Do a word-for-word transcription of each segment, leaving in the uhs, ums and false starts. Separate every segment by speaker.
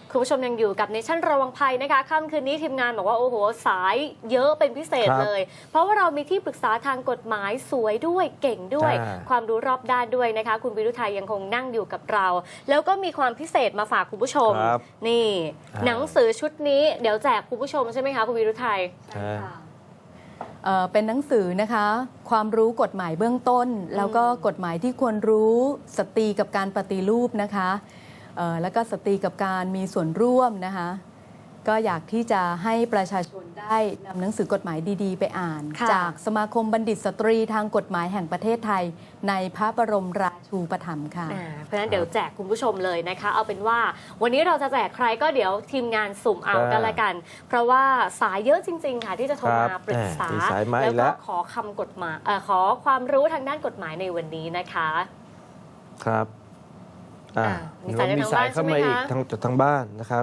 Speaker 1: คุณผู้ชมยังอยู่กับเนชั่นระวังภัยนะคะค่ำคืนนี้ทีมงานบอกว่าโอ้โหสายเยอะเป็นพิเศษเลย เพราะว่าเรามีที่ปรึกษาทางกฎหมายสวยด้วยเก่งด้วยความรู้รอบด้านด้วยนะคะคุณวิรุไทยยังคงนั่งอยู่กับเราแล้วก็มีความพิเศษมาฝากคุณผู้ชมนี่หนังสือชุดนี้เดี๋ยวแจกคุณผู้ชมใช่ไหมคะคุณวิรุไทยใช่ค่ะ
Speaker 2: เป็นหนังสือนะคะความรู้กฎหมายเบื้องต้นแล้วก็กฎหมายที่ควรรู้สตรีกับการปฏิรูปนะคะแล้วก็สตรีกับการมีส่วนร่วมนะคะก็อยากที่จะให้ประชาชนได้นำหนังสือกฎหมายดีๆไปอ่านจากสมาคมบัณฑิตสตรีทางกฎหมายแห่งประเทศไทยในพระบรมราชูปถัมภ์ค่ะ
Speaker 1: เพราะฉะนั้นเดี๋ยวแจกคุณผู้ชมเลยนะคะเอาเป็นว่าวันนี้เราจะแจกใครก็เดี๋ยวทีมงานสุ่มเอากันละกันเพราะว่าสายเยอะจริงๆค่ะที่จะโทรมาปรึกษาแล้วก็ขอคำกฎหมายขอความรู้ทางด้านกฎหมายในวันนี้นะคะ
Speaker 3: ครับมีสายมีสายเข้ามาอีกทางจากทางบ้านนะครับ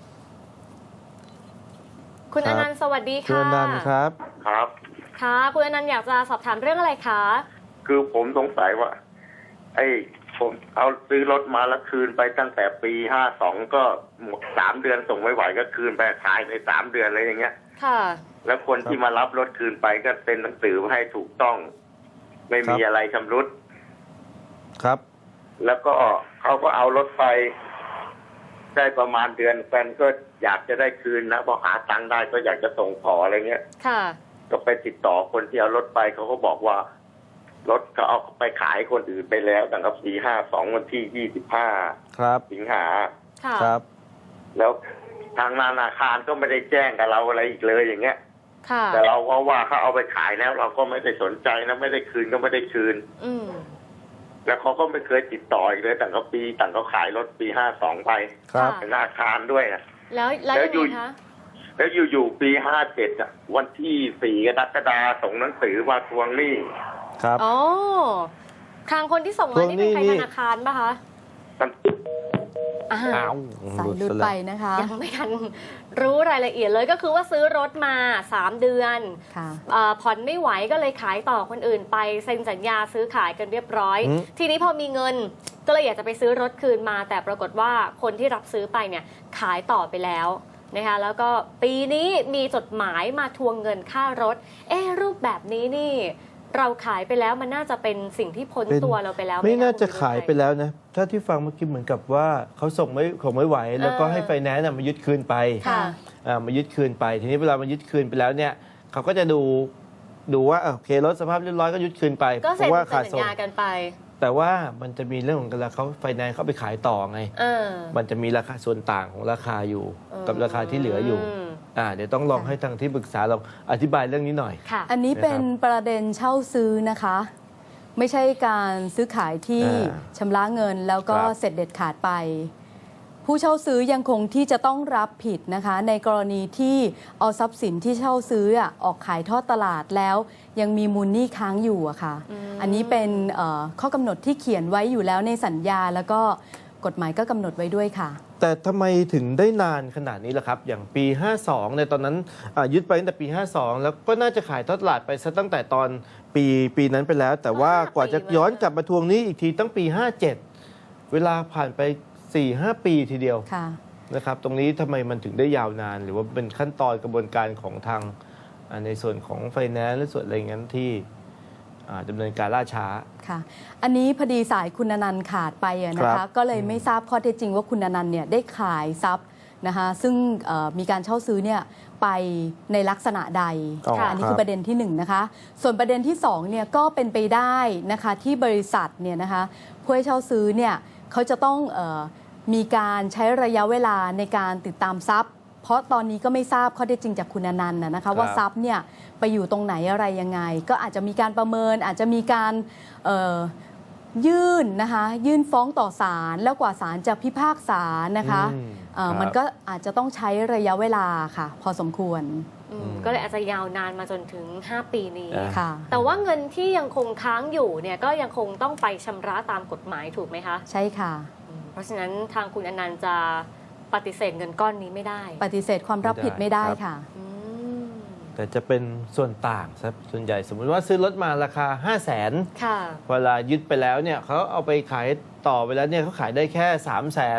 Speaker 1: คุณอนันต์สวัสดีค่ะ
Speaker 3: คุณอนันต์ครับ
Speaker 4: ครับ
Speaker 1: ค่ะคุณอนันต์อยากจะสอบถามเรื่องอะไรคะ
Speaker 4: คือผมสงสัยว่าไอ้ผมเอาซื้อรถมาแล้วคืนไปตั้งแต่ปีห้าสองก็หมดสามเดือนส่งไม่ไหวก็คืนไปขายในสามเดือนอะไรอย่างเงี้ย
Speaker 1: ค่ะ
Speaker 4: แล้วคนที่มารับรถคืนไปก็เซ็นหนังสือให้ถูกต้องไม่มีอะไรชำรุด
Speaker 3: ครับ
Speaker 4: แล้วก็เขาก็เอารถไปได้ประมาณเดือนแฟนก็อยากจะได้คืนนะพอหาตังค์ได้ก็อยากจะส่งขออะไรเงี้ย
Speaker 1: ค่ะ
Speaker 4: ก็ไปติดต่อคนที่เอารถไปเขาก็บอกว่ารถเขาเอาไปขายคนอื่นไปแล้วตั้งแต่ปีห้าสองวันที่ยี่สิบห้าสิงหา
Speaker 3: ครับ
Speaker 4: แล้วทางธนาคารก็ไม่ได้แจ้งกับเราอะไรอีกเลยอย่างเงี้ย
Speaker 1: ค่ะ
Speaker 4: แต่เราก็ว่าเขาเอาไปขายแล้วเราก็ไม่ได้สนใจนะไม่ได้คืนก็ไม่ได้คืน
Speaker 1: อืม
Speaker 4: แล้วเขาก็ไม่เคยติดต่ออีกเลยตั้งแต่ปีตั้งเขาขายรถปีห้าสองไปเป็นธนาคารด้วยนะ
Speaker 1: แล้วแล้วยังไงคะ
Speaker 4: แล้วอยู่ๆปีห้าเจ็ดอ่ะวันที่สี่กรกฎาคมส่งหนังสือมาทวงหนี้
Speaker 3: ครับ
Speaker 1: อ๋อทางคนที่ส่งมานี่เป็นใครธนาคารป่ะคะ
Speaker 2: อ้าวสายลุดไปนะคะ
Speaker 1: ยังไม่ทันรู้รายละเอียดเลยก็คือว่าซื้อรถมาสามเดือนผ่อนไม่ไหวก็เลยขายต่อคนอื่นไปเซ็นสัญญาซื้อขายกันเรียบร้อยทีนี้พอมีเงินก็เลยอยากจะไปซื้อรถคืนมาแต่ปรากฏว่าคนที่รับซื้อไปเนี่ยขายต่อไปแล้วนะคะแล้วก็ปีนี้มีจดหมายมาทวงเงินค่ารถเอ๊ะรูปแบบนี้นี่เราขายไปแล้วมันน่าจะเป็นสิ่งที่พ้นตัวเราไปแล้ว
Speaker 3: ไม่น่าจะขายไปแล้วนะถ้าที่ฟังเมื่อกี้เหมือนกับว่าเขาส่งไม่ส่งไม่ไหวแล้วก็ให้ไฟแนนซ์มายึดคืนไปมายึดคืนไปทีนี้เวลามายึดคืนไปแล้วเนี่ยเขาก็จะดูดูว่าโอเครถสภาพเรียบร้อยก็ยึดคืนไป
Speaker 1: เพราะว่าขาดส่งกันไป
Speaker 3: แต่ว่ามันจะมีเรื่องของการเขาไฟแนนซ์เขาไปขายต่อไงมันจะมีราคาส่วนต่างของราคาอยู่กับราคาที่เหลืออยู่อ่าเดี๋ยวต้องลองให้ทางที่ปรึกษาเราอธิบายเรื่องนี้หน่อย
Speaker 2: อันนี้เป็นประเด็นเช่าซื้อนะคะไม่ใช่การซื้อขายที่ชำระเงินแล้วก็เสร็จเด็ดขาดไปผู้เช่าซื้อยังคงที่จะต้องรับผิดนะคะในกรณีที่เอาทรัพย์สินที่เช่าซื้อออกขายทอดตลาดแล้วยังมีมูลหนี้ค้างอยู่อะค่ะ อ, อันนี้เป็นข้อกำหนดที่เขียนไว้อยู่แล้วในสัญญาแล้วก็กฎหมายก็กำหนดไว้ด้วยค่ะ
Speaker 3: แต่ทำไมถึงได้นานขนาดนี้ล่ะครับอย่างปีห้าสองในตอนนั้นยึดไปตั้งแต่ปีห้าสองแล้วก็น่าจะขายทอดตลาดไปซะตั้งแต่ตอนปีปีนั้นไปแล้วแต่ว่ากว่าจะย้อนกลับมาทวงหนี้อีกทีตั้งปีห้าเจ็ดเวลาผ่านไป สี่ห้า ปีทีเดียวนะครับตรงนี้ทำไมมันถึงได้ยาวนานหรือว่าเป็นขั้นตอนกระบวนการของทางในส่วนของไฟแนนซ์หรือส่วนอะไรอย่างนั้นที่ดำเนินการล่าช้า
Speaker 2: ค่ะอันนี้พอดีสายคุณอนันต์ขาดไปนะคะก็เลยไม่ทราบข้อเท็จจริงว่าคุณอนันต์เนี่ยได้ขายทรัพย์นะคะซึ่งมีการเช่าซื้อเนี่ยไปในลักษณะใด อ, อันนี้คือประเด็นที่หนึ่งนะคะส่วนประเด็นที่สองเนี่ยก็เป็นไปได้นะคะที่บริษัทเนี่ยนะคะผู้ให้เช่าซื้อเนี่ยเขาจะต้องเออมีการใช้ระยะเวลาในการติดตามทรัพย์เพราะตอนนี้ก็ไม่ทราบข้อเท็จจริงจากคุณอนันต์นะคะว่าทรัพย์เนี่ยไปอยู่ตรงไหนอะไรยังไงก็อาจจะมีการประเมินอาจจะมีการยื่นนะคะยื่นฟ้องต่อศาลแล้วกว่าศาลจะพิพากษานะคะมันก็อาจจะต้องใช้ระยะเวลาค่ะพอสมควร
Speaker 1: ก็เลยอาจจะยาวนานมาจนถึงห้าปีนี้แต่ว่าเงินที่ยังคงค้างอยู่เนี่ยก็ยังคงต้องไปชำระตามกฎหมายถูกไหมคะ
Speaker 2: ใช่ค่ะ
Speaker 1: เพราะฉะนั้นทางคุณอนันต์จะปฏิเสธเงินก้อนนี้ไม่ได้
Speaker 2: ปฏิเสธความรับผิดไม่ได้ค่ะ
Speaker 3: แต่จะเป็นส่วนต่างครับส่วนใหญ่สมมุติว่าซื้อรถมาราคา ห้าแสน เวลายึดไปแล้วเนี่ยเขาเอาไปขายต่อไปแล้วเนี่ยเขาขายได้แค่ สามแสน พ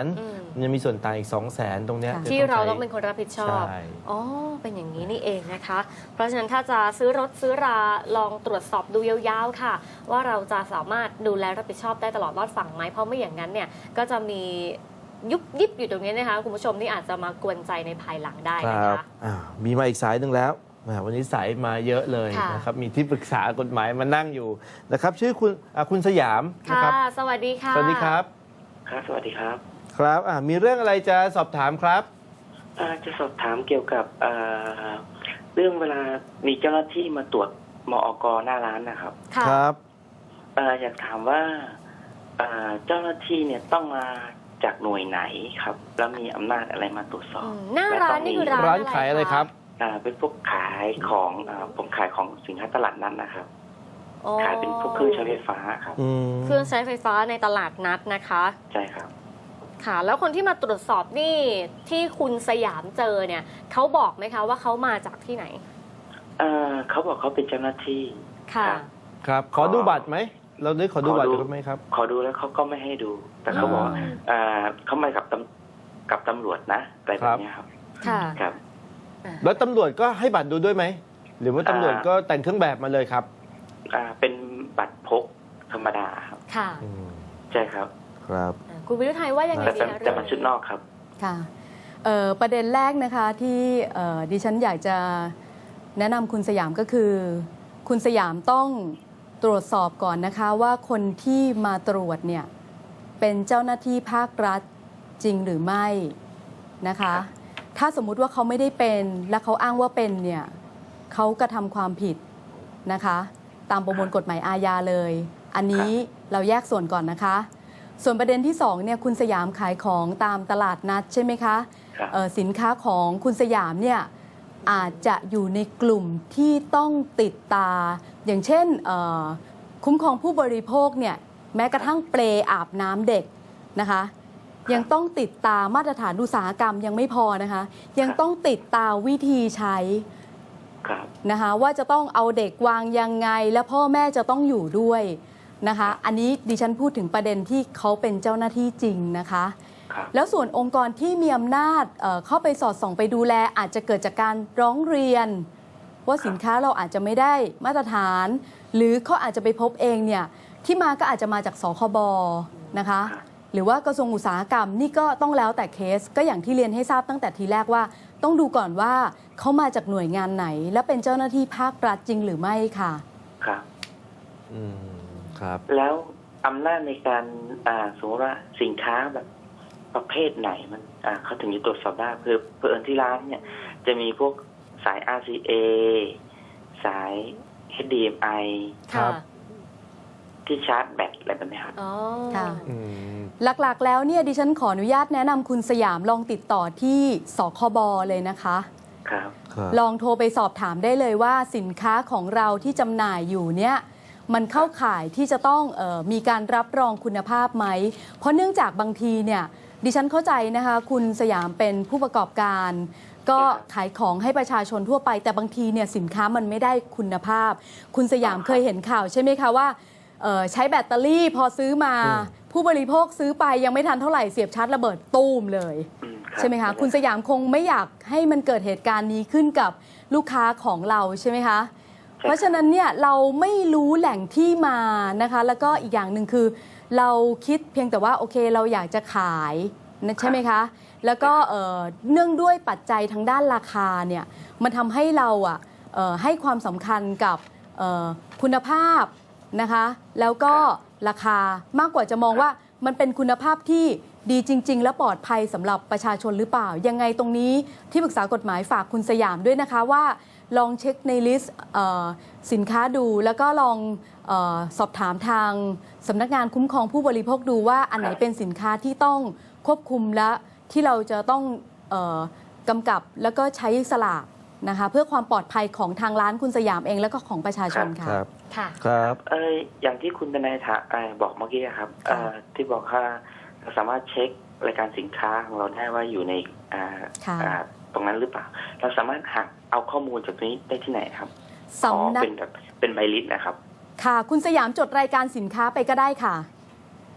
Speaker 3: มันยังมีส่วนต่างอีก สองแสน ตรงเนี้ย
Speaker 2: ค่ะ
Speaker 3: จะ
Speaker 1: ที่เราต้อง
Speaker 3: ใช้
Speaker 1: เป็นคนรับผิดชอบ
Speaker 3: ใช่
Speaker 1: อ๋อ เป็นอย่างนี้นี่เองนะคะ เพราะฉะนั้นถ้าจะซื้อรถซื้อราลองตรวจสอบดูยาวๆค่ะ ว่าเราจะสามารถดูแลรับผิดชอบได้ตลอดรอดฝั่งไหมเพราะไม่อย่างนั้นเนี่ยก็จะมียุบยิบอยู่ตรงนี้นะคะคุณผู้ชมที่อาจจะมากวนใจในภายหลังได้
Speaker 3: ค
Speaker 1: นะ
Speaker 3: รับ
Speaker 1: คะ
Speaker 3: อ่ามีมาอีกสายหนึ่งแล้วแหมวันนี้สายมาเยอะเลย
Speaker 1: ค่ะ
Speaker 3: นะครับมีที่ปรึกษากฎหมายมานั่งอยู่นะครับชื่อคุณอ่าคุณสยามนะ
Speaker 1: ค่ะ
Speaker 3: ครับ
Speaker 1: สวัสดีค่ะ
Speaker 3: สวัสดีครับ
Speaker 5: ครับสวัสดีครับ
Speaker 3: ครับอ่ามีเรื่องอะไรจะสอบถามครับ
Speaker 5: อ่าจะสอบถามเกี่ยวกับเอ่อเรื่องเวลามีเจ้าหน้าที่มาตรวจมอกหน้าร้านนะครับ
Speaker 1: ค่ะ
Speaker 3: ครับ
Speaker 5: เอ่ออยากถามว่าเอ่อเจ้าหน้าที่เนี่ยต้องมาจากหน่วยไหนครับ แล้วมีอำนาจอะไรมาตรวจสอบ
Speaker 1: อืมหน้าร้านนี่คือร้าน
Speaker 3: ร้านขายอะไรครับ
Speaker 5: อ่าเป็นพวกขายของอ่าผมขายของสินค้าตลาดนัดนะครับ
Speaker 1: อ๋อ
Speaker 5: ขายเป็นพวกเครื่องใช้ไฟฟ้าครับ
Speaker 3: อืม
Speaker 1: เครื่องใช้ไฟฟ้าในตลาดนัดนะคะ
Speaker 5: ใช่ครับ
Speaker 1: ค่ะ แล้วคนที่มาตรวจสอบนี่ที่คุณสยามเจอเนี่ยเขาบอกไหมคะว่าเขามาจากที่ไหน
Speaker 5: เอ่อเขาบอกเขาเป็นเจ้าหน้าที่
Speaker 1: ค่ะ
Speaker 5: ครับ
Speaker 3: ครับขอดูบัตรไหมเราได้ขอดูบัตรดูไหมครับ
Speaker 5: ขอดูแล้วเขาก็ไม่ให้ดู แต่เขาบอกว่า
Speaker 1: อืม
Speaker 5: เอ่อเขามากับตำกับตำรวจนะอะไรแบบเนี้ยครับ
Speaker 1: ค่ะ
Speaker 5: ครับ
Speaker 1: อ่า
Speaker 3: แล้วตำรวจก็ให้บัตรดูด้วยไหมหรือว่าตำรวจก็แต่งเครื่องแบบมาเลยครับ
Speaker 5: อ่าเป็นบัตรพกธรรมดาครับ
Speaker 1: ค่ะ
Speaker 3: อืม
Speaker 5: ใช่ครับ
Speaker 3: ครับ
Speaker 1: อ่าคุณวิรุไทยว่ายังไง
Speaker 5: แต่
Speaker 1: ดี
Speaker 5: แต่
Speaker 1: คะ
Speaker 5: แต่มันชุดนอกครับ
Speaker 2: ค่ะเอ่อประเด็นแรกนะคะที่เอ่อดิฉันอยากจะแนะนำคุณสยามก็คือ คุณสยามต้องตรวจสอบก่อนนะคะว่าคนที่มาตรวจเนี่ยเป็นเจ้าหน้าที่ภาครัฐจริงหรือไม่นะคะ ถ้าสมมุติว่าเขาไม่ได้เป็นและเขาอ้างว่าเป็นเนี่ยเขากระทำความผิดนะคะตามประมวลกฎหมายอาญาเลย อันนี้เราแยกส่วนก่อนนะคะ ส่วนประเด็นที่สองเนี่ยคุณสยามขายของตามตลาดนัดใช่ไหมคะ
Speaker 5: ครับ
Speaker 2: เอ่อสินค้าของคุณสยามเนี่ยอาจจะอยู่ในกลุ่มที่ต้องติดตา อย่างเช่นเอ่อคุ้มครองผู้บริโภคเนี่ยแม้กระทั่งเปลอาบน้ำเด็กนะคะยังต้องติดตามมาตรฐานอุตสาหกรรมยังไม่พอนะคะยังต้องติดตามวิธีใช้
Speaker 5: ครับ
Speaker 2: นะคะว่าจะต้องเอาเด็กวางยังไงและพ่อแม่จะต้องอยู่ด้วยนะคะอันนี้ดิฉันพูดถึงประเด็นที่เขาเป็นเจ้าหน้าที่จริงนะคะ
Speaker 5: ครับ
Speaker 2: แล้วส่วนองค์กรที่มีอำนาจเอ่อเข้าไปสอดส่องไปดูแลอาจจะเกิดจากการร้องเรียน ว่าสินค้าเราอาจจะไม่ได้มาตรฐาน หรือเขาอาจจะไปพบเองเนี่ยที่มาก็อาจจะมาจากสคบนะคะ
Speaker 5: ครับ
Speaker 2: หรือว่ากระทรวงอุตสาหกรรมนี่ก็ต้องแล้วแต่เคสก็อย่างที่เรียนให้ทราบตั้งแต่ทีแรกว่า ต้องดูก่อนว่าเขามาจากหน่วยงานไหน และเป็นเจ้าหน้าที่ภาครัฐจริงหรือไม่ค่ะ
Speaker 5: ครับ
Speaker 3: อืมครับ
Speaker 5: แล้วอำนาจในการอ่าสมมติว่าสินค้าแบบประเภทไหนมันอ่าเขาถึงจะตรวจสอบได้เพื่อเพื่อที่ร้านเนี่ยจะมีพวกสาย อาร์ ซี เอ สาย เอช ดี เอ็ม ไอ
Speaker 3: ครั
Speaker 1: ค่ะ
Speaker 3: บ
Speaker 5: ที่ชาร์จแบตอะไรแบบนี้ครับ
Speaker 1: อ๋อ
Speaker 2: ค่ะ
Speaker 3: อืม
Speaker 2: หลักๆ แล้วเนี่ยดิฉันขออนุญาตแนะนำคุณสยามลองติดต่อที่สคบเลยนะคะ
Speaker 5: ครับ
Speaker 3: ครับ
Speaker 2: ลองโทรไปสอบถามได้เลยว่าสินค้าของเราที่จำหน่ายอยู่เนี่ยมันเข้าข่ายที่จะต้องเออมีการรับรองคุณภาพไหม เพราะเนื่องจากบางทีเนี่ยดิฉันเข้าใจนะคะคุณสยามเป็นผู้ประกอบการ ก็ขายของให้ประชาชนทั่วไป แต่บางทีเนี่ยสินค้ามันไม่ได้คุณภาพ คุณสยามเคยเห็นข่าวใช่ไหมคะว่าเอ่อใช้แบตเตอรี่พอซื้อมา ผู้บริโภคซื้อไปยังไม่ทันเท่าไหร่เสียบชาร์จระเบิดตู้มเลย
Speaker 5: อืมรับ
Speaker 2: ใช่ไหมคะ คุณสยามคงไม่อยากให้มันเกิดเหตุการณ์นี้ขึ้นกับลูกค้าของเราใช่ไหมคะ เพราะฉะนั้นเนี่ยเราไม่รู้แหล่งที่มานะคะ แล้วก็อีกอย่างหนึ่งคือ เราคิดเพียงแต่ว่าโอเคเราอยากจะขายนะใช่ไหมคะ แล้วก็เอ่อเนื่องด้วยปัจจัยทางด้านราคาเนี่ยมันทำให้เราอ่ะเอ่อให้ความสำคัญกับเอ่อคุณภาพนะคะ แล้วก็ราคามากกว่าจะมองว่ามันเป็นคุณภาพที่ดีจริง ๆ และปลอดภัยสำหรับประชาชนหรือเปล่า ยังไงตรงนี้ที่ปรึกษากฎหมายฝากคุณสยามด้วยนะคะว่าลองเช็คในลิสต์เอ่อสินค้าดู แล้วก็ลองเออสอบถามทางสำนักงานคุ้มครองผู้บริโภคดูว่าอันไหนเป็นสินค้าที่ต้องควบคุมและที่เราจะต้องเออกำกับแล้วก็ใช้สลากนะคะเพื่อความปลอดภัยของทางร้านคุณสยามเองแล้วก็ของประชาชน
Speaker 3: ค
Speaker 2: ค่ะ
Speaker 3: รับ
Speaker 1: ค่ะ
Speaker 3: ครับ
Speaker 5: เอออย่างที่คุณทนายถาเอ่อบอกเมื่อกี้ครับ
Speaker 2: ค่ะ
Speaker 5: เอ่อที่บอกว่าเราสามารถเช็ครายการสินค้าของเราได้ว่าอยู่ในอ่า
Speaker 2: ค่ะ
Speaker 5: อ่าตรงนั้นหรือเปล่า เราสามารถหาเอาข้อมูลจากตรงนี้ได้ที่ไหนครับอ๋อ
Speaker 2: สำนัก
Speaker 5: เป็นแบบเป็นใบลิสต์นะครับ
Speaker 2: ค่ะ คุณสยามจดรายการสินค้าไปก็ได้ค่ะ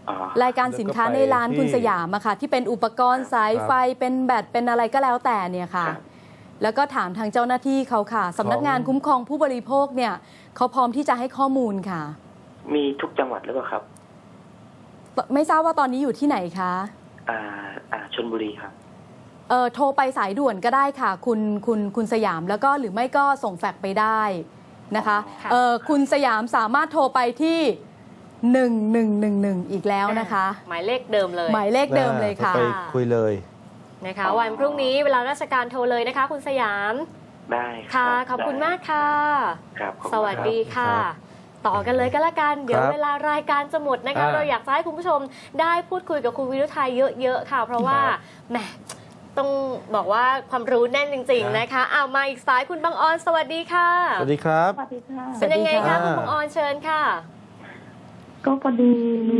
Speaker 5: อ๋อ
Speaker 2: รายการสินค้าในร้านคุณสยามอะค่ะ ที่เป็นอุปกรณ์สายไฟเป็นแบตเป็นอะไรก็แล้วแต่เนี่ยค่ะ
Speaker 5: ครับ
Speaker 2: แล้วก็ถามทางเจ้าหน้าที่เขาค่ะสำนักงานคุ้มครองผู้บริโภคเนี่ยเขาพร้อมที่จะให้ข้อมูลค่ะ
Speaker 5: มีทุกจังหวัดหรือเปล่าครับ
Speaker 2: ไม่ทราบว่าตอนนี้อยู่ที่ไหนคะ
Speaker 5: อ่าอ่าชลบุรีครับ
Speaker 2: เออโทรไปสายด่วนก็ได้ค่ะ คุณคุณคุณสยามแล้วก็หรือไม่ก็ส่งแฟกซ์ไปได้นะคะ
Speaker 1: ค่ะ
Speaker 2: เออคุณสยามสามารถโทรไปที่หนึ่งหนึ่งหนึ่งหนึ่งอีกแล้วนะคะ
Speaker 1: หมายเลขเดิมเลย
Speaker 2: หมายเลขเดิมเลยค่ะ
Speaker 3: ไปคุยเลย
Speaker 1: นะคะ วันพรุ่งนี้เวลาราชการโทรเลยนะคะ คุณสยาม
Speaker 5: ได้รับ
Speaker 1: ค่ะ ขอบคุณ
Speaker 5: ได้
Speaker 1: มากค่ะ
Speaker 5: ครับขอบคุณ
Speaker 1: สวัสดี
Speaker 5: รับ
Speaker 1: ค่ะ
Speaker 3: ครับ
Speaker 1: ต่อกันเลยก็แล้วกัน เดี๋ยว
Speaker 3: ครับ
Speaker 1: เวลารายการจะหมดนะคะ
Speaker 3: อ่า
Speaker 1: เราอยากจะให้คุณผู้ชมได้พูดคุยกับคุณวิรุทัยเยอะๆค่ะ เพราะว่า
Speaker 3: ครับ
Speaker 1: แหมต้องบอกว่าความรู้แน่นจริง
Speaker 3: ครับ
Speaker 1: ๆนะคะเอามาอีกสายคุณบังออนสวัสดีค่ะ
Speaker 3: สวัสดีครับ
Speaker 6: สวัสดีค่ะ
Speaker 2: ส
Speaker 1: เป็
Speaker 2: วัน สดี
Speaker 1: ยังไง
Speaker 2: ค่ะ
Speaker 1: คะคุณบังออนเชิญค่ะ
Speaker 6: ก็พอดีมี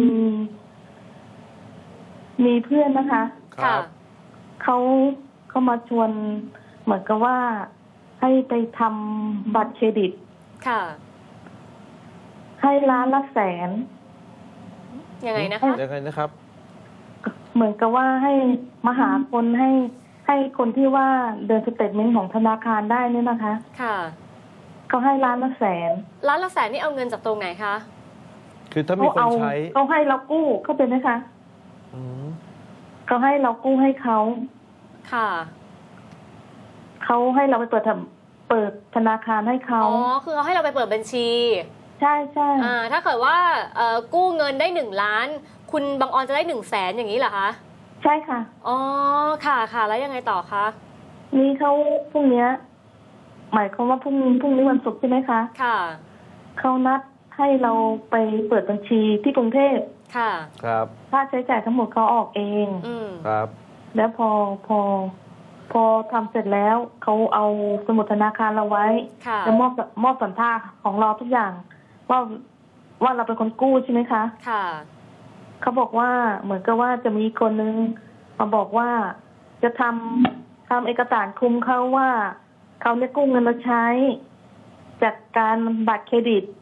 Speaker 6: มีเพื่อนนะคะ
Speaker 3: ครับ
Speaker 6: เขาเขามาชวนเหมือนกับว่าให้ไปทำบัตรเครดิต
Speaker 1: ค่ะ
Speaker 6: ให้ล้านละแสน
Speaker 1: ยังไงนะคะ
Speaker 3: ยังไงนะครับ
Speaker 6: เหมือนกับว่าให้มาหาคนให้ให้คนที่ว่าเดินสเตทเมนต์ของธนาคารได้เนี่ยนะคะ
Speaker 1: ค่ะ
Speaker 6: เขาให้ล้านละแสน
Speaker 1: ล้านละแสนนี่เอาเงินจากตรงไหนคะ
Speaker 3: คือถ้ามี
Speaker 6: เขา
Speaker 3: คน
Speaker 6: เอา
Speaker 3: ใช้
Speaker 6: เขาให้เรากู้เข้าใจไหมคะ
Speaker 3: อืม
Speaker 6: เขาให้เรากู้ให้เขา
Speaker 1: ค่ะ
Speaker 6: เขาให้เราไปเปิดทำเปิดธนาคารให้เขา
Speaker 1: อ๋อ คือเขาให้เราไปเปิดบัญชี
Speaker 6: ใช่ใช่
Speaker 1: อ่า ถ้าเกิดว่าเอ่อกู้เงินได้หนึ่งล้าน คุณบังออนจะได้หนึ่งแสนอย่างนี้เหรอคะ
Speaker 6: ใช่ค่ะ
Speaker 1: อ๋อ ค่ะค่ะ แล้วยังไงต่อคะ
Speaker 6: นี่เขาพรุ่งเนี้ยหมายความว่าพรุ่งนี้พรุ่งนี้วันศุกร์ใช่ไหมคะ
Speaker 1: ค่ะ
Speaker 6: เขานัดให้เราไปเปิดบัญชีที่กรุงเทพ
Speaker 1: ค่ะ
Speaker 3: ครับ
Speaker 6: ค่าใช้จ่ายทั้งหมดเขาออกเอง
Speaker 1: อืม
Speaker 3: ครับ
Speaker 6: แล้วพอพอ พอทำเสร็จแล้วเขาเอาสมุดธนาคารเราไว้
Speaker 1: ค่ะ
Speaker 6: แล้วมอบมอบสัญชาติของเราทุกอย่าง ว่าว่าเราเป็นคนกู้ใช่ไหมคะ
Speaker 1: ค่ะ
Speaker 6: เขาบอกว่าเหมือนกับว่าจะมีคนนึงมาบอกว่าจะทำทำเอกสารคุมเขาว่าเขาเนี่ยกู้เงินมาใช้จากการบัตรเครดิต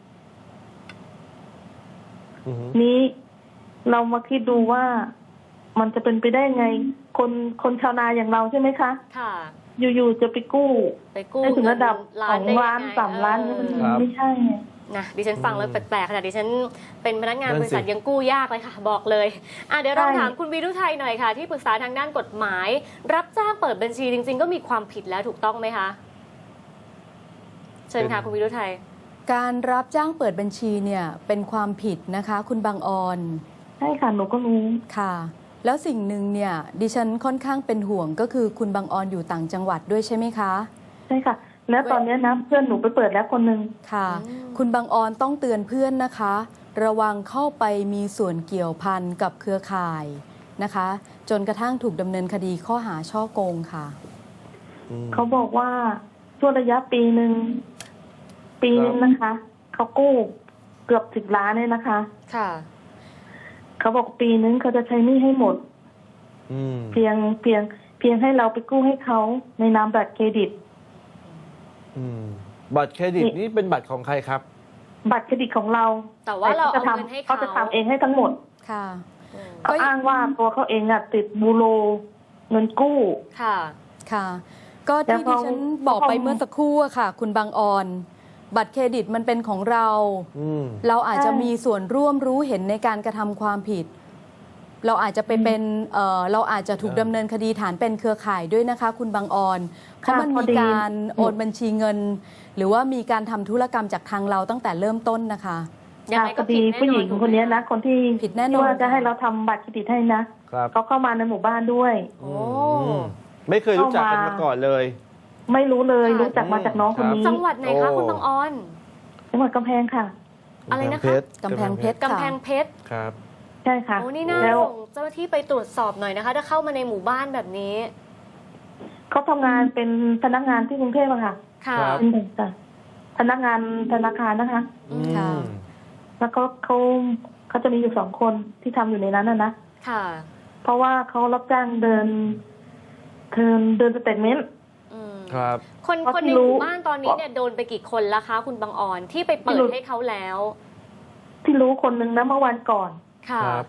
Speaker 3: อือฮึ
Speaker 6: นี้เรามาคิดดูว่ามันจะเป็นไปได้ไง คนคนชาวนาอย่างเราใช่ไหมคะ
Speaker 1: ค่ะ
Speaker 6: อยู่ๆจะไปกู้
Speaker 1: ไปกู้
Speaker 6: ได้ถึงระดับ
Speaker 1: เงิน
Speaker 6: สอง
Speaker 1: ได้
Speaker 6: ล้าน
Speaker 1: ยังไง
Speaker 6: สามล้าน
Speaker 1: เอ
Speaker 6: นี่
Speaker 1: อ
Speaker 6: มันไม่ใช่ไง
Speaker 1: นะดิฉันฟังแล้วแปลกๆขนาดดิฉันเป็นพนักงาน
Speaker 3: นั่น
Speaker 1: บริษัท
Speaker 3: สิ
Speaker 1: ยังกู้ยากเลยค่ะ บอกเลยอ่ะเดี๋ยวเรา
Speaker 6: ใช่
Speaker 1: ถามคุณวิรุทัยหน่อยค่ะ ที่ปรึกษาทางด้านกฎหมาย รับจ้างเปิดบัญชีจริง ๆ ก็มีความผิดแล้วถูกต้องไหมคะ เชิญค่ะ คุณวิรุทัย
Speaker 2: การรับจ้างเปิดบัญชีเนี่ยเป็นความผิดนะคะ คุณบางออน
Speaker 6: ใช่ค่ะหนูก็รู้
Speaker 2: ค่ะ แล้วสิ่งหนึ่งเนี่ยดิฉันค่อนข้างเป็นห่วงก็คือคุณบางออนอยู่ต่างจังหวัดด้วยใช่ไหมคะ
Speaker 6: ใช่ค่ะ แล้วตอนนี้นะเพื่อนหนูไปเปิดแล้วคนหนึ่ง
Speaker 2: ค่ะ
Speaker 1: อืม
Speaker 2: คุณบางออนต้องเตือนเพื่อนนะคะ ระวังเข้าไปมีส่วนเกี่ยวพันกับเครือข่ายนะคะ จนกระทั่งถูกดำเนินคดีข้อหาช่อโกงค่ะ
Speaker 3: อืม
Speaker 6: เขาบอกว่าช่วงระยะปีหนึ่งปีหนึงนะคะเขากู้เกือบสิบล้านเลยนะคะ
Speaker 1: ค่ะ
Speaker 6: เขาบอกปีนึงเขาจะใช้หนี้ให้หมด
Speaker 3: อืม
Speaker 6: เพียงเพียงเพียงให้เราไปกู้ให้เขาในนามบัตรเครดิต
Speaker 3: อืมบัตรเครดิตนี่เป็นบัตรของใครครับ
Speaker 6: บัตรเครดิตของเรา
Speaker 1: แต่ว่าเรา
Speaker 6: จะ
Speaker 1: เอาเงินให้
Speaker 6: เขา
Speaker 1: เขา
Speaker 6: จะทำเองให้ทั้งหมด
Speaker 2: ค่ะ
Speaker 1: อืม
Speaker 6: เขาอ้างว่าตัวเขาเองอะติดบูโรเงินกู้
Speaker 1: ค่ะ
Speaker 2: ค่ะ ก็
Speaker 6: แต่
Speaker 2: ที่
Speaker 6: พ
Speaker 2: ดิ
Speaker 6: อ
Speaker 2: ฉันบอกไป
Speaker 6: พอ
Speaker 2: เมื่อสักครู่อะค่ะ คุณบางออน บัตรเครดิตมันเป็นของเรา
Speaker 3: อืม
Speaker 2: เราอาจจะ
Speaker 6: ใช่
Speaker 2: มีส่วนร่วมรู้เห็นในการกระทำความผิด เราอาจจะไปเป็นเอ่อเราอาจจะถูก
Speaker 3: ครับ
Speaker 2: ดำเนินคดีฐานเป็นเครือข่ายด้วยนะคะ คุณบางออน เพราะมัน
Speaker 6: พอ
Speaker 2: มี
Speaker 6: ดี
Speaker 2: การโอนบัญชีเงิน หรือว่ามีการทำธุรกรรมจากทางเราตั้งแต่เริ่มต้นนะคะ
Speaker 1: ยังไง
Speaker 6: พ
Speaker 1: ก็
Speaker 6: อ
Speaker 1: ผิ
Speaker 6: ดี
Speaker 1: ดแน่นอน
Speaker 6: ผู้หญิง
Speaker 1: ถูกไม
Speaker 6: คนนี้นะคนที่
Speaker 2: ผิดแน่นอน
Speaker 6: ที่ว่าจะให้เราทำบัตรเครดิตให้นะครับ เขาเข้ามาในหมู่บ้านด้วย
Speaker 1: โอ้
Speaker 3: อืมไม่เคยรู้จักกันมาก่อนเลย
Speaker 6: ไม่รู้เลย
Speaker 1: ค่ะ
Speaker 6: รู้จักมาจากน้องคนนี้
Speaker 1: จังหวัดไหนคะ
Speaker 3: โอ้
Speaker 1: คุณบางออน
Speaker 6: จังหวัดกำแพงค่ะ
Speaker 1: อะไรนะคะ
Speaker 2: กำแพงเพชร
Speaker 1: กำแพงเพชร
Speaker 3: ครับ
Speaker 6: ใช่ค่ะ
Speaker 1: โอ้นี่น่า
Speaker 6: แล้ว
Speaker 1: ส่งเจ้าหน้าที่ไปตรวจสอบหน่อยนะคะ ถ้าเข้ามาในหมู่บ้านแบบนี้
Speaker 6: เขาทำงานเป็นพนักงานที่กรุงเทพอะค่ะ
Speaker 1: ค่ะ
Speaker 3: ครับ
Speaker 6: เป็นเด็กจ้ะพนักงานธนาคารนะคะ
Speaker 3: อื
Speaker 2: ค่ะ
Speaker 3: ม
Speaker 6: แล้วก็เขาเขาจะมีอยู่สองคนที่ทำอยู่ในนั้นนะนะ
Speaker 1: ค่ะ
Speaker 6: เพราะว่าเขารับจ้างเดินเดินเดินสเตทเมนต์
Speaker 1: อืม
Speaker 3: ครับ
Speaker 1: คน
Speaker 6: เพราะ
Speaker 1: คน
Speaker 6: ที่
Speaker 1: ในห
Speaker 6: รู้
Speaker 1: มู่บ้านตอนนี้เนี่ยโดนไปกี่คนแล้วคะ คุณบางออนที่ไปเปิ
Speaker 6: ที่
Speaker 1: ด
Speaker 6: รู้
Speaker 1: ให้เขาแล้ว
Speaker 6: ที่รู้คนหนึ่งนะเมื่อวันก่อน
Speaker 1: ค่ะ
Speaker 3: ครับ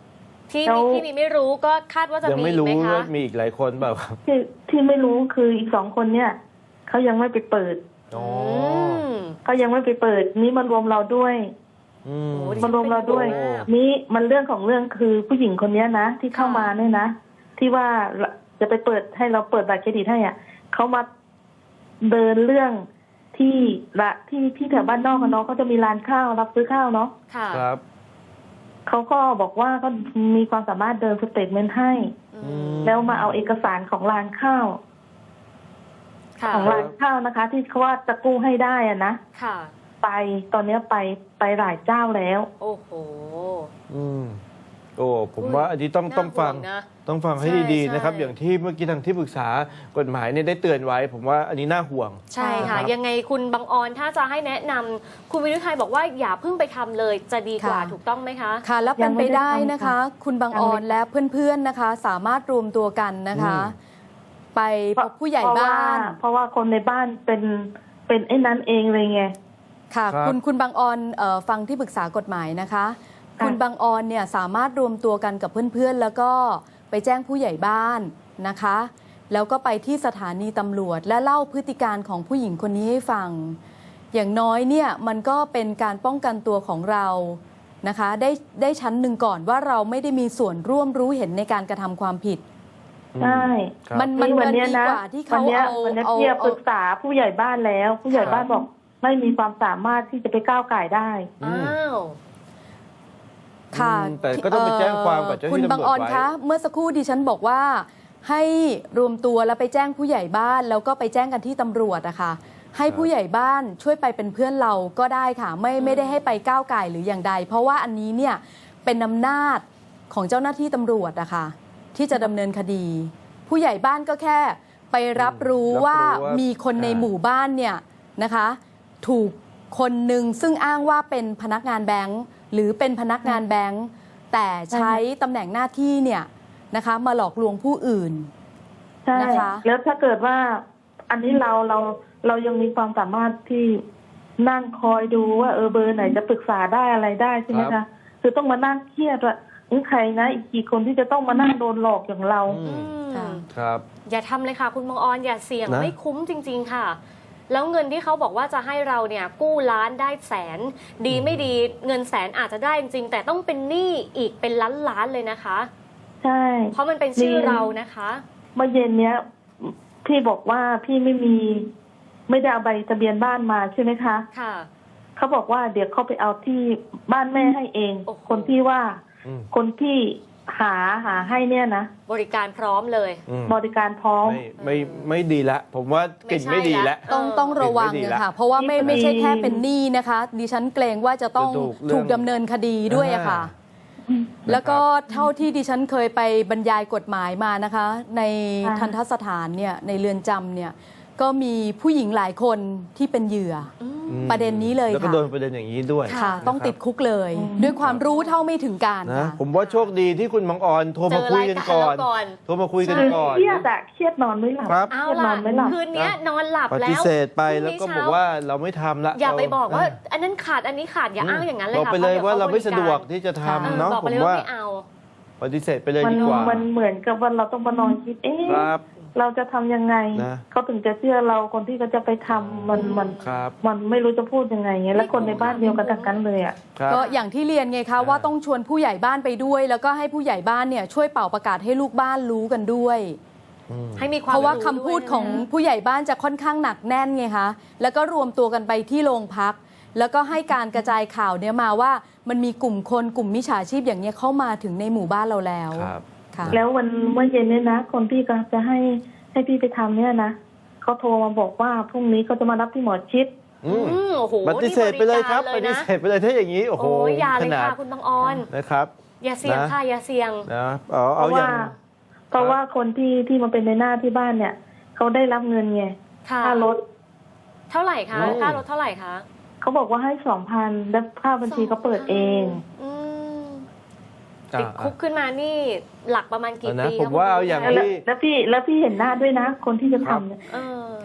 Speaker 1: ที่
Speaker 6: แล้ว
Speaker 1: ที่มีไม่รู้ก็คาดว่าจะ
Speaker 3: ยัง
Speaker 1: มี
Speaker 3: ไม่รู้
Speaker 1: ไหมคะ
Speaker 3: ว่ามีอีกหลายคนเปล่าครับ
Speaker 6: ที่ที่ไม่รู้คืออีกสองคนเนี่ยเขายังไม่ไปเปิด
Speaker 3: อ๋อ
Speaker 1: ม
Speaker 6: เขายังไม่ไปเปิดนี่มันรวมเราด้วย
Speaker 3: อืม
Speaker 1: โอ้ดิ
Speaker 6: มันรวมเราด้วย
Speaker 3: โอ้
Speaker 6: นี่มันเรื่องของเรื่องคือผู้หญิงคนเนี้ยนะที่เข้ามาเนี่ยนะที่ว่าจะไปเปิดให้เราเปิดบัตรเครดิตให้อ่ะเขามาเดินเรื่องที่ละที่ที่แถวบ้านนอกอะเนาะเขาจะมีร้านข้าวรับซื้อข้าวเนาะ
Speaker 1: ค่ะ
Speaker 3: ครับ
Speaker 6: เขาก็บอกว่าเขามีความสามารถเดินสเตทเมนต์ให้
Speaker 1: อืม
Speaker 6: แล้วมาเอาเอกสารของร้านข้าว
Speaker 1: ค่ะ
Speaker 6: ของร้านข้าวนะคะ ที่เขาว่าจะกู้ให้ได้อะนะ
Speaker 1: ค่ะ
Speaker 6: ไปตอนเนี้ยไปไปหลายเจ้าแล้ว
Speaker 1: โอ้โห
Speaker 3: อืมโอ้ผม
Speaker 1: อุ้ย
Speaker 3: ว่าอันนี้ต้อง
Speaker 1: น่า
Speaker 3: ต้องฟัง
Speaker 1: ห่วงนะ
Speaker 3: ต้องฟังให้
Speaker 1: ใช่
Speaker 3: ดีๆนะครับ
Speaker 1: ใช่
Speaker 3: อย่างที่เมื่อกี้ทางที่ปรึกษากฎหมายเนี่ยได้เตือนไว้ ผมว่าอันนี้น่าห่วง
Speaker 1: ใช่ค่ะ
Speaker 3: ครับ
Speaker 1: ยังไงคุณบังออนถ้าจะให้แนะนำคุณวิรุไทยบอกว่าอย่าเพิ่งไปทำเลยจะดีกว่า
Speaker 2: ค่ะ
Speaker 1: ถูกต้องไหมคะ
Speaker 2: ค่ะแล้วเป็นไปได้นะคะ คุณบาง
Speaker 6: ยัง
Speaker 2: อ
Speaker 6: ไม่
Speaker 2: อนและเพื่อนๆนะคะ สามารถรวมตัวกันนะคะ
Speaker 3: อืม
Speaker 2: ไปพบผู้ใหญ่บ้าน
Speaker 6: เพราะว่าคนในบ้านเป็นเป็นไอ้นั้นเองเลยไง
Speaker 2: ค่ะ
Speaker 3: ครับ
Speaker 2: คุณคุณบางออนเอ่อฟังที่ปรึกษากฎหมายนะคะ
Speaker 6: ค่ะ
Speaker 2: คุณบางออนเนี่ยสามารถรวมตัวกันกับเพื่อนๆ แล้วก็ไปแจ้งผู้ใหญ่บ้านนะคะ แล้วก็ไปที่สถานีตำรวจ และเล่าพฤติการของผู้หญิงคนนี้ให้ฟัง อย่างน้อยเนี่ยมันก็เป็นการป้องกันตัวของเรานะคะ ได้ได้ชั้นหนึ่งก่อนว่าเราไม่ได้มีส่วนร่วมรู้เห็นในการกระทำความผิด
Speaker 6: ใช่
Speaker 3: ครับ
Speaker 2: มันมัน
Speaker 6: วั
Speaker 2: มัน
Speaker 6: เนี้ย
Speaker 2: ดี
Speaker 6: นะ
Speaker 2: กว่าที่
Speaker 6: วั
Speaker 2: เขา
Speaker 6: เนี้ย
Speaker 2: เอา
Speaker 6: วันเนี้ย
Speaker 2: เอา
Speaker 6: พี่ป
Speaker 2: เอา
Speaker 6: รึกษาผู้ใหญ่บ้านแล้ว ผู้ใหญ่
Speaker 3: ครับ
Speaker 6: บ้านบอกไม่มีความสามารถที่จะไปก้าวไก่ได้
Speaker 3: อืม
Speaker 1: อ้าว
Speaker 2: ค่ะ
Speaker 3: อืมแต่ก็ต้องไปแจ้งความกับเจ้าหน้าที่
Speaker 2: คุณบางออน
Speaker 3: ตำรวจไว้
Speaker 2: คะ เมื่อสักครู่ดิฉันบอกว่า ให้รวมตัวแล้วไปแจ้งผู้ใหญ่บ้าน แล้วก็ไปแจ้งกันที่ตำรวจอะค่ะ ให้ผู้ใหญ่บ้านช่วยไปเป็นเพื่อนเราก็ได้ค่ะ ไม่ไม่ได้ให้ไปก้าวไก่หรืออย่างใด เพราะว่าอันนี้เนี่ยเป็นอำนาจของเจ้าหน้าที่ตำรวจอะค่ะที่จะดำเนินคดี ผู้ใหญ่บ้านก็แค่ไปรับรู้
Speaker 3: รับรู้
Speaker 2: ว่า
Speaker 3: ว่า
Speaker 2: มีคนใน
Speaker 3: อ่า
Speaker 2: หมู่บ้านเนี่ยนะคะ ถูกคนหนึ่งซึ่งอ้างว่าเป็นพนักงานแบงค์หรือเป็นพนักงานแบงค์แต่ใช้ตำแหน่งหน้าที่เนี่ยนะคะมาหลอกลวงผู้อื่น
Speaker 6: ใช่
Speaker 2: นะคะ
Speaker 6: แล้วถ้าเกิดว่า อันนี้เราเราเรายังมีความสามารถที่นั่งคอยดูว่าเออเบอร์ไหนจะปรึกษาได้อะไรได้ใช่ไหม
Speaker 3: ครั
Speaker 6: คะ
Speaker 3: บ
Speaker 6: คือต้องมานั่งเครียดว่านี่ใครนะอีกกี่คนที่จะต้องมานั่งโดนหลอกอย่างเรา
Speaker 3: อื
Speaker 1: อื
Speaker 3: ม
Speaker 1: ม
Speaker 2: ค่ะ
Speaker 3: ครับ
Speaker 1: อย่าทำเลยค่ะ คุณบังออนอย่าเสี่ยง
Speaker 3: นะ
Speaker 1: ไม่คุ้มจริง ๆ ค่ะ แล้วเงินที่เขาบอกว่าจะให้เราเนี่ยกู้ล้านได้แสน ดีไม่ดีเงินแสนอาจจะได้จริงๆแต่ต้องเป็นหนี้อีกเป็นล้านล้านๆเลยนะคะ
Speaker 6: ใช่
Speaker 1: เพราะมันเป็นชื่อเรานะคะ
Speaker 6: เมื่อเย็นเนี้ยพี่บอกว่าพี่ไม่มีไม่ได้เอาใบทะเบียนบ้านมาใช่ไหมคะ
Speaker 1: ค่ะ
Speaker 6: เขาบอกว่าเดี๋ยวเขาไปเอาที่บ้านแม่ให้เอง
Speaker 1: โอ้โห
Speaker 6: คนที่ว่า
Speaker 3: อืม
Speaker 6: คนที่หาหาให้เนี่ยนะ
Speaker 1: บริการพร้อมเลย
Speaker 3: อืม
Speaker 6: บริการพร้อม
Speaker 3: ไม่ไม่ไม่ดีละ ผมว่ากลิ่น
Speaker 1: ไม่
Speaker 3: ไม่
Speaker 1: ใช่
Speaker 3: ดี
Speaker 1: ละ
Speaker 3: แล้ว
Speaker 2: ต้อง
Speaker 1: เออ
Speaker 2: ต้องระวัง
Speaker 3: ไม่ดี
Speaker 2: นะ
Speaker 3: ละ
Speaker 2: ค่ะ เพราะว่าไม่
Speaker 6: นี่
Speaker 2: ไม่ใช่
Speaker 6: พอดี
Speaker 2: แค่เป็นหนี้นะคะ ดิฉันเกรงว่าจะต้อง
Speaker 3: จะถูกเรื่อง
Speaker 2: ถูกดำเนินคดีด้วยอะค่ะ แล้วก็เท่าที่ดิฉันเคยไปบรรยายกฎหมายมานะคะ ใน
Speaker 6: ค่ะ
Speaker 2: ทันทสถานเนี่ยในเรือนจำเนี่ยก็มีผู้หญิงหลายคนที่เป็นเหยื่อ
Speaker 3: อืม
Speaker 2: ประเด็นนี้เลย
Speaker 3: แล้วก็
Speaker 2: ค่ะ
Speaker 3: โดนประเด็นอย่างนี้ด้วย
Speaker 2: ค่ะ ต้องติดคุกเลย ด้วยความรู้เท่าไม่ถึงการ
Speaker 3: นะ
Speaker 2: ค่ะ
Speaker 3: ผมว่าโชคดีที่คุณบางออนโทรมาคุยกันก่อน
Speaker 1: เจอรายการเราก่อน
Speaker 3: โทรมาคุยกัน
Speaker 6: คือ
Speaker 3: ก่อน
Speaker 6: เครียดอะเครียดนอนไม่หลับ
Speaker 3: ครับ
Speaker 1: เอา
Speaker 6: เครียดน
Speaker 1: ล่ะ
Speaker 6: อนไม่หลับ
Speaker 1: คืนเนี้ยนอนหลับ
Speaker 3: ป
Speaker 1: แล้ว
Speaker 3: ฏิเสธไป
Speaker 1: พ
Speaker 3: แล้ว
Speaker 1: รุ่งนี้
Speaker 3: ก็บอก
Speaker 1: เช้
Speaker 3: ว่าเราไม่ทำละ
Speaker 1: อย่าไป
Speaker 3: เ
Speaker 1: บอกว่า อันนั้นขาดอันนี้ขาดอย่าอ้างอย่างนั้นเลย
Speaker 3: บอก
Speaker 1: ค่ะ
Speaker 3: ไปเลย
Speaker 1: พะ
Speaker 3: ว่า
Speaker 1: ดี๋
Speaker 3: เราไม่
Speaker 1: ข
Speaker 3: สะดวกที่จะ
Speaker 1: เออ
Speaker 3: ทำเนาะ
Speaker 1: บอก
Speaker 3: ผ
Speaker 1: ไป
Speaker 3: ม
Speaker 1: เลยว่า
Speaker 3: ว่า
Speaker 1: ไม่เอา
Speaker 3: ปฏิเสธไปเลย
Speaker 6: มัน
Speaker 3: ดีกว่า
Speaker 6: มันเหมือนกับว่าเราต้องมานอนคิด เอ๊ะ
Speaker 3: ครับ
Speaker 6: เราจะทำยังไง
Speaker 3: นะ
Speaker 6: เขาถึงจะเชื่อเราคนที่เขาจะไปทำมันมัน
Speaker 3: ครับ
Speaker 6: มันไม่รู้จะพูดยังไงเงี้ยแล้วคนในบ้านเดียวกันทั้งนั้นเลยอ่ะ
Speaker 3: ครับ
Speaker 2: ก็อย่างที่เรียนไงคะว่าต้องชวนผู้ใหญ่บ้านไปด้วย แล้วก็ให้ผู้ใหญ่บ้านเนี่ยช่วยเป่าประกาศให้ลูกบ้านรู้กันด้วย
Speaker 3: อืม
Speaker 1: ให้มีความ
Speaker 2: เพราะว่า
Speaker 1: รู้
Speaker 2: คำพูด
Speaker 1: วยนะ
Speaker 2: ของผู้ใหญ่บ้านจะค่อนข้างหนักแน่นไงคะแล้วก็รวมตัวกันไปที่โรงพัก แล้วก็ให้การกระจายข่าวเนี่ยมาว่ามันมีกลุ่มคนกลุ่มมิจฉาชีพอย่างเนี้ยเข้ามาถึงในหมู่บ้านเราแล้ว
Speaker 3: ครับ
Speaker 2: ค่ะ
Speaker 6: แล้ววันเมื่อเย็นเนี่ยนะ คนที่ก็จะให้ให้พี่ไปทำเนี่ยนะเขาโทรมาบอกว่าพรุ่งนี้เขาจะมารับที่หมอชิด
Speaker 3: อืม
Speaker 1: อืมโอ้โห
Speaker 3: ปฏิเสธไปเลยครับ
Speaker 1: นี่
Speaker 3: ป
Speaker 1: บ
Speaker 3: ฏิ
Speaker 1: กา
Speaker 3: เสธไปเลยถ้าอย่างนี้ โอ้โห
Speaker 1: โอ้ยอย่า
Speaker 3: ข
Speaker 1: เลย
Speaker 3: นาด
Speaker 1: ค่ะคุณบางออน
Speaker 3: นะครับ
Speaker 1: อย่าเสี่ยง
Speaker 3: นะ
Speaker 1: ค่ะอย่าเสี่ยง
Speaker 3: นะเอา
Speaker 6: เพ
Speaker 3: เอา
Speaker 6: ราะ
Speaker 3: อย่า
Speaker 6: ว่าง เพราะว่าคนที่ที่มาเป็นในหน้าที่บ้านเนี่ยเขาได้รับเงินไง
Speaker 1: ค่ะ
Speaker 6: ค่ารถ
Speaker 1: เท่าไหร่คะ
Speaker 3: อืม
Speaker 1: ค่ารถเท่าไหร่คะ
Speaker 6: เขาบอกว่าให้สองพันแล้วค่าบัญชีเขาเปิดเอง
Speaker 1: อืม
Speaker 3: อ่ะ
Speaker 1: ติดคุกขึ้นมานี่หลักประมาณกี่
Speaker 3: เอานะ
Speaker 1: ปี
Speaker 3: ผมว่าเอาอย่าง
Speaker 1: คะ
Speaker 6: แล้ว
Speaker 3: ที่
Speaker 6: แล้วพี่แล้วพี่เห็นหน้าด้วยนะ คนที่จะทำเนี่ย
Speaker 1: เออ
Speaker 2: ค่ะ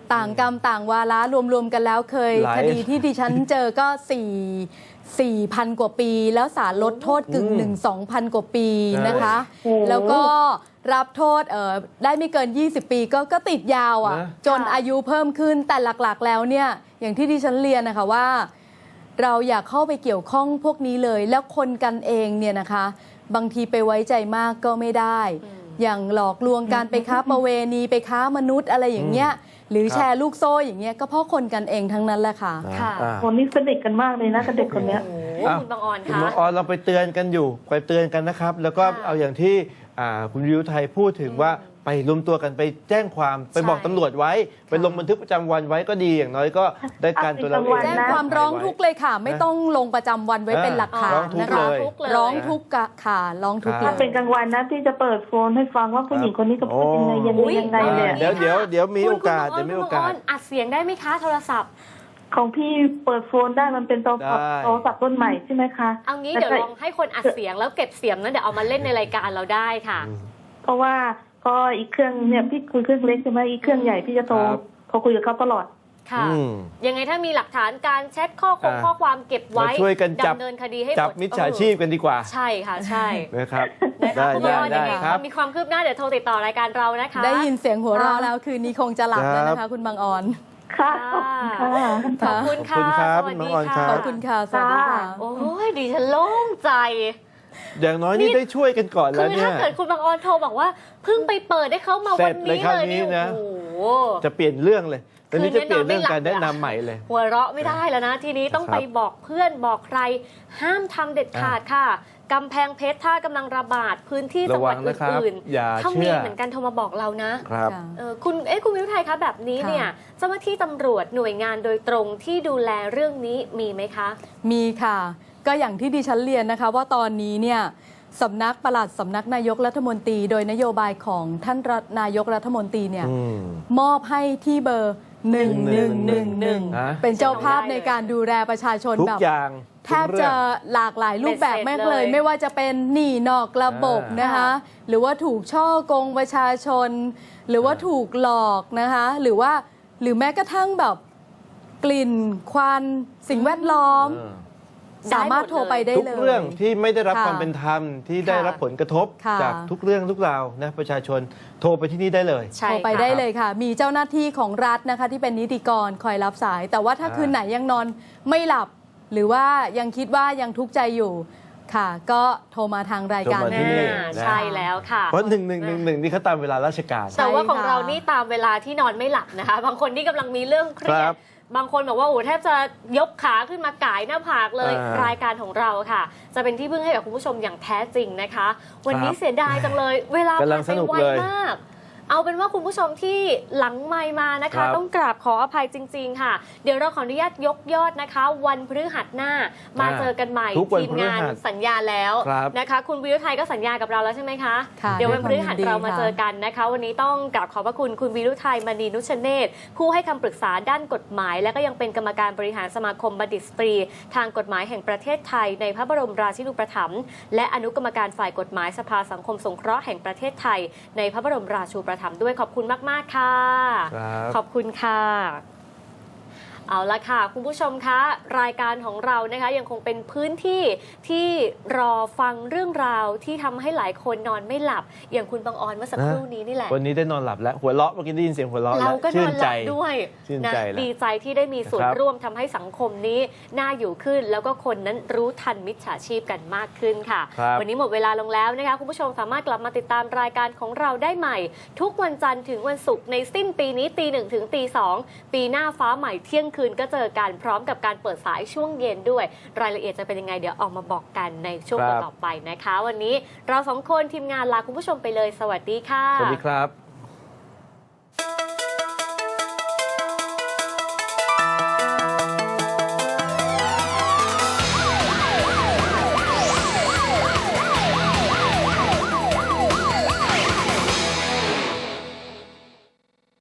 Speaker 2: ต่างกรรมต่างวาระรวมๆกันแล้วเคย
Speaker 3: หลาย
Speaker 2: คดีที่ดิฉันเจอก็สี่สี่พันกว่าปี แล้วศาลลดโทษกึ่งหนึ่งสองพันกว่าปีนะคะ
Speaker 6: โอ้โห
Speaker 2: แล้วก็รับโทษเอ่อได้ไม่เกิน ยี่สิบ ปีก็ก็ติดยาวอ่ะ
Speaker 3: นะ
Speaker 2: จน
Speaker 1: ค่ะ
Speaker 2: อายุเพิ่มขึ้นแต่หลักๆแล้วเนี่ยอย่างที่ดิฉันเรียนนะคะว่า เราอยากเข้าไปเกี่ยวข้องพวกนี้เลย แล้วคนกันเองเนี่ยนะคะ บางทีไปไว้ใจมากก็ไม่ได้ อย่างหลอกลวงการไปค้าประเวณีไปค้ามนุษย์อะไรอย่างเงี้ยหรือ
Speaker 3: ครับ
Speaker 2: แชร์ลูกโซ่อย่างเงี้ยก็เพราะคนกันเองทั้งนั้นแหละค่ะ
Speaker 1: ค่ะ
Speaker 3: อ่า
Speaker 6: คนนี้สนิทกันมากเลยนะกับเด็กคนเนี้ย
Speaker 1: โอ้โห
Speaker 3: อ้าว
Speaker 1: คุณบางออน
Speaker 3: คุณ
Speaker 1: คะ
Speaker 3: หมอออนเราไปเตือนกันอยู่ไปเตือนกันนะครับ แล้วก็
Speaker 1: ค่ะ
Speaker 3: เอาอย่างที่อ่าคุณวิวไทยพูดถึงว่าไปรวมตัวกันไปแจ้งความไปบอก
Speaker 1: ใช่
Speaker 3: ตำรวจไว้ ไปลงบันทึกประจำวันไว้ก็ดีอย่างน้อยก็ได้การตัวเราเอง
Speaker 2: แจ้งความร้องทุกข์เลยค่ะ ไม่ต้องลงประจำวันไว้เป็นหลักฐาน
Speaker 3: ร้องทุก
Speaker 2: นะ
Speaker 3: ข์
Speaker 2: คะ
Speaker 3: เลย
Speaker 1: ทุกข์เลย
Speaker 2: ร้องทุกข์กะค่ะร้องทุกข์เล
Speaker 6: ถ้าย เป็นกลางวันนะที่จะเปิดโฟนให้ฟังว่าผู้หญิงคนนี้ก็พูดยังไงยังไงยังไง
Speaker 3: อ่า
Speaker 6: เนี่ย
Speaker 3: เดี๋ยวเดี๋ยวเดี๋ยวมี
Speaker 1: คุณ
Speaker 3: โอกาส
Speaker 1: คุณ
Speaker 3: เดี๋ยวมีโอ
Speaker 1: คุณ
Speaker 3: กา
Speaker 1: บ
Speaker 3: ส
Speaker 1: งอัดเสียงได้ไหมคะโทรศัพท์
Speaker 6: ของพี่เปิดโฟนได้มันเป็นโทรศัพท์
Speaker 3: ได้
Speaker 6: โทรศัพท์รุ่นใหม่ใช่ไหมคะ
Speaker 1: เอางี้เดี๋ยวลองให้คนอัดเสียงแล้วเก็บเสียงนั้นเดี๋ยวเอามาเล่นในรายการเราได้ค่ะ
Speaker 6: เพราะว่าก็อีกเครื่องเนี่ยพี่คุยเครื่องเล็กใช่ไหมอีกเครื่องใหญ่พี่จะโทร
Speaker 3: ครับ
Speaker 6: โทรคุยกับเขาตลอด
Speaker 1: ค่ะ
Speaker 3: อืม
Speaker 1: ยังไงถ้ามีหลักฐานการแชทข้อคง
Speaker 3: อ่า
Speaker 1: ข้อความเก็บไว้
Speaker 3: มาช่วยกันจับ
Speaker 1: ดำเนินคดีให้หมด
Speaker 3: จับมิจฉาชีพกันดีกว่า
Speaker 1: ใช่ค่ะใช่
Speaker 3: นะครับ
Speaker 1: นะคะ
Speaker 3: ได้
Speaker 1: คุณ
Speaker 3: ได้
Speaker 1: บอล
Speaker 3: ได้
Speaker 1: ยังไง
Speaker 3: ครับ
Speaker 1: มีความคืบหน้าเดี๋ยวโทรติดต่อรายการเรานะคะ
Speaker 2: ได้ยินเสียงหัวเราะแล้วคืนนี้คงจะหลับแล้วนะ
Speaker 3: ครั
Speaker 2: คะ
Speaker 3: บ
Speaker 2: คุณบางออน
Speaker 6: ค่ะ
Speaker 1: ค่ะ
Speaker 6: ขอบคุณค่ะ
Speaker 1: ขอบคุณค่ะ
Speaker 3: ขอบคุณครับ
Speaker 1: สวัสดี
Speaker 3: น้องออนครับ
Speaker 2: ขอบคุณค่ะสวัสดีค่ะ
Speaker 1: โอ้ยดิฉันโล่งใจ
Speaker 3: อย่างน้อยนี่ได้ช่วยกันก่อน
Speaker 1: คื
Speaker 3: แล้ว
Speaker 1: อ
Speaker 3: เนี่
Speaker 1: ถ้าย เกิดคุณบางออนโทรบอกว่าเพิ่งไปเปิดได้เขามา
Speaker 3: เสร็
Speaker 1: วัน
Speaker 3: จเลย
Speaker 1: นี้
Speaker 3: คราว
Speaker 1: เลย
Speaker 3: นี้
Speaker 1: เนี่ย
Speaker 3: นะ
Speaker 1: โอ้โห
Speaker 3: จะเปลี่ยนเรื่องเลยตอนนี้
Speaker 1: คื
Speaker 3: จะ
Speaker 1: นนี้
Speaker 3: เปลี่ยนเรื่อง
Speaker 1: นอนไม่หลับ
Speaker 3: การแนะนำใหม่เลย
Speaker 1: หัวเราะไม่ได้แล้วนะ ทีนี้ต้อง
Speaker 3: ครับ
Speaker 1: ไปบอกเพื่อนบอกใคร ห้ามทำเด็ดขาดค่ะกำแพงเพชรถ้ากำลังระบาดพื้นที่จังหวัด
Speaker 3: ระวังนะครับ
Speaker 1: อื่น
Speaker 3: อย่า
Speaker 1: ๆถ้า
Speaker 3: เชื่
Speaker 1: มี
Speaker 3: อ
Speaker 1: เหมือนกันโทรมาบอกเรานะ
Speaker 3: ครับ
Speaker 2: ค่ะ
Speaker 1: เออคุณเอ๊ะคุณวิวไทยคะแบบนี้
Speaker 2: ค่ะ
Speaker 1: เนี่ยเจ้าหน้าที่ตำรวจหน่วยงานโดยตรงที่ดูแลเรื่องนี้มีไหมคะ
Speaker 2: มีค่ะ ก็อย่างที่ดิฉันเรียนนะคะ ว่าตอนนี้เนี่ยสำนักปลัดสำนักนายกรัฐมนตรี โดยนโยบายของท่านรัฐนายกรัฐมนตรีเนี่ย
Speaker 3: อืม
Speaker 2: มอบให้ที่เบอร์หนึ่งหนึ่งหนึ่งหนึ่ง
Speaker 3: ฮะ
Speaker 2: เป็นเจ้าภาพในการดูแลประชาชน
Speaker 3: ทุก
Speaker 2: แบบ
Speaker 3: อย่าง
Speaker 2: แทบจะหลากหลายรูปแบบ
Speaker 1: เบ็ดเสร็จ
Speaker 2: มากเลย
Speaker 1: เลย
Speaker 2: ไม่ว่าจะเป็นหนี้นอกระบบ
Speaker 3: อ่าน
Speaker 2: นะคะ หรือว่าถูกช่อโกงประชาชน หรือว่าถูกหลอกนะคะ หรือว่าหรือแม้กระทั่งแบบกลิ่นควันสิ่งแวดล้อม
Speaker 3: เออ
Speaker 2: สามารถโทรไปได้
Speaker 3: ทุก
Speaker 2: เลย
Speaker 3: เรื่องที่ไม่ได้รับ
Speaker 2: ค่ะ
Speaker 3: ความเป็นธรรมที่ได้
Speaker 1: ค่ะ
Speaker 3: รับผลกระทบ
Speaker 2: ค่ะ
Speaker 3: จากทุกเรื่องทุกราวนะประชาชนโทรไปที่นี่ได้เลย
Speaker 1: ใช่
Speaker 2: โทรไป
Speaker 1: ค่ะ
Speaker 2: ได้เลยค่ะ มีเจ้าหน้าที่ของรัฐนะคะ ที่เป็นนิติกรคอยรับสาย แต่ว่าถ้า
Speaker 3: อ่า
Speaker 2: คืนไหนยังนอนไม่หลับ หรือว่ายังคิดว่ายังทุกข์ใจอยู่ค่ะ ก็โทรมาทางรายการ
Speaker 3: โทรมาที่นี่
Speaker 1: อ่าใช่แล้วค่ะ
Speaker 3: เพราะหนึ่งหนึ่งหนึ่งหนึ่งนี่เขาตามเวลาราชการ
Speaker 1: แต่ว่าของ
Speaker 2: ใช่ค่ะ
Speaker 1: เรานี่ตามเวลาที่นอนไม่หลับนะคะ บางคนที่กำลังมีเรื่องเครีย
Speaker 3: ครั
Speaker 1: ด
Speaker 3: บ
Speaker 1: บางคนบอกว่าโอ้แทบจะยกขาขึ้นมาก่ายหน้าผากเลย
Speaker 3: อ่าร
Speaker 1: ายการของเราค่ะ จะเป็นที่พึ่งให้กับคุณผู้ชมอย่างแท้จริงนะคะ วันนี้
Speaker 3: ครับ
Speaker 1: เสียดายจังเลย เวลาก
Speaker 3: ำลัง
Speaker 1: ผ่าน
Speaker 3: สนุก
Speaker 1: ไปไว
Speaker 3: เลย
Speaker 1: มาก เอาเป็นว่าคุณผู้ชมที่หลังไมค์มานะ
Speaker 3: ครั
Speaker 1: คะ
Speaker 3: บ
Speaker 1: ต้องกราบขออภัยจริง ๆ ค่ะ เดี๋ยวเราขออนุญาตยกยอดนะคะ วันพฤหัสหน้ามา
Speaker 3: อ่า
Speaker 1: เจอกันใหม่
Speaker 3: ทุกวัน
Speaker 1: ทีมงาน
Speaker 3: พฤหัส
Speaker 1: สัญญาแล้ว
Speaker 3: ครับ
Speaker 1: นะคะ คุณวิวไทยก็สัญญากับเราแล้วใช่ไหมคะ
Speaker 2: ค่ะ
Speaker 1: เดี๋ยววันพฤหัส
Speaker 2: ด้วยความยินดี
Speaker 1: เรามาเจอ
Speaker 2: ค่ะ
Speaker 1: กันนะคะ วันนี้ต้องกราบขอบพระคุณคุณวิรุไทยมณีนุชเนศผู้ให้คำปรึกษาด้านกฎหมาย และก็ยังเป็นกรรมการบริหารสมาคมบัณฑิตสตรี ทางกฎหมายแห่งประเทศไทยในพระบรมราชินูปถัมภ์และอนุกรรมการฝ่ายกฎหมายสภาสังคมสงเคราะห์แห่งประเทศไทยในพระบรมราชูปถัมภ์ด้วยขอบคุณมากๆค่ะ
Speaker 3: ครับ
Speaker 1: ขอบคุณค่ะ เอาละค่ะ คุณผู้ชมคะรายการของเรานะคะยังคงเป็นพื้นที่ที่รอฟังเรื่องราวที่ทำให้หลายคนนอนไม่หลับ อย่างคุณบางออนเมื่อสักครู่นี้นี่แหละ
Speaker 3: วันนี้ได้นอนหลับแล้ว หัวเราะเมื่อกี้ได้ยินเสียงหัวเราะแล้
Speaker 1: เรา
Speaker 3: ว
Speaker 1: ก็น
Speaker 3: ชื่
Speaker 1: อน
Speaker 3: น
Speaker 1: ห
Speaker 3: ใจ
Speaker 1: ลับด้วย
Speaker 3: ชื่น
Speaker 1: นะ
Speaker 3: ใจแล้ว
Speaker 1: ดีใจที่ได้มีส่วน
Speaker 3: นะครับ
Speaker 1: ร่วมทำให้สังคมนี้น่าอยู่ขึ้น แล้วก็คนนั้นรู้ทันมิจฉาชีพกันมากขึ้นค่ะ
Speaker 3: ครับ
Speaker 1: วันนี้หมดเวลาลงแล้วนะคะคุณผู้ชมสามารถกลับมาติดตามรายการของเราได้ใหม่ ทุกวันจันทร์ถึงวันศุกร์ในสิ้นปีนี้ตีหนึ่งถึงตีสองปีหน้าฟ้าใหม่เที่ยงคืนก็เจอกันพร้อมกับการเปิดสายช่วงเย็นด้วย รายละเอียดจะเป็นยังไงเดี๋ยวออกมาบอกกันในช่วง
Speaker 3: ครับ
Speaker 1: ต่อๆไปนะคะ วันนี้เราสองคนทีมงานลาคุณผู้ชมไปเลยสวัสดีค่ะ
Speaker 3: สวัสดีครับ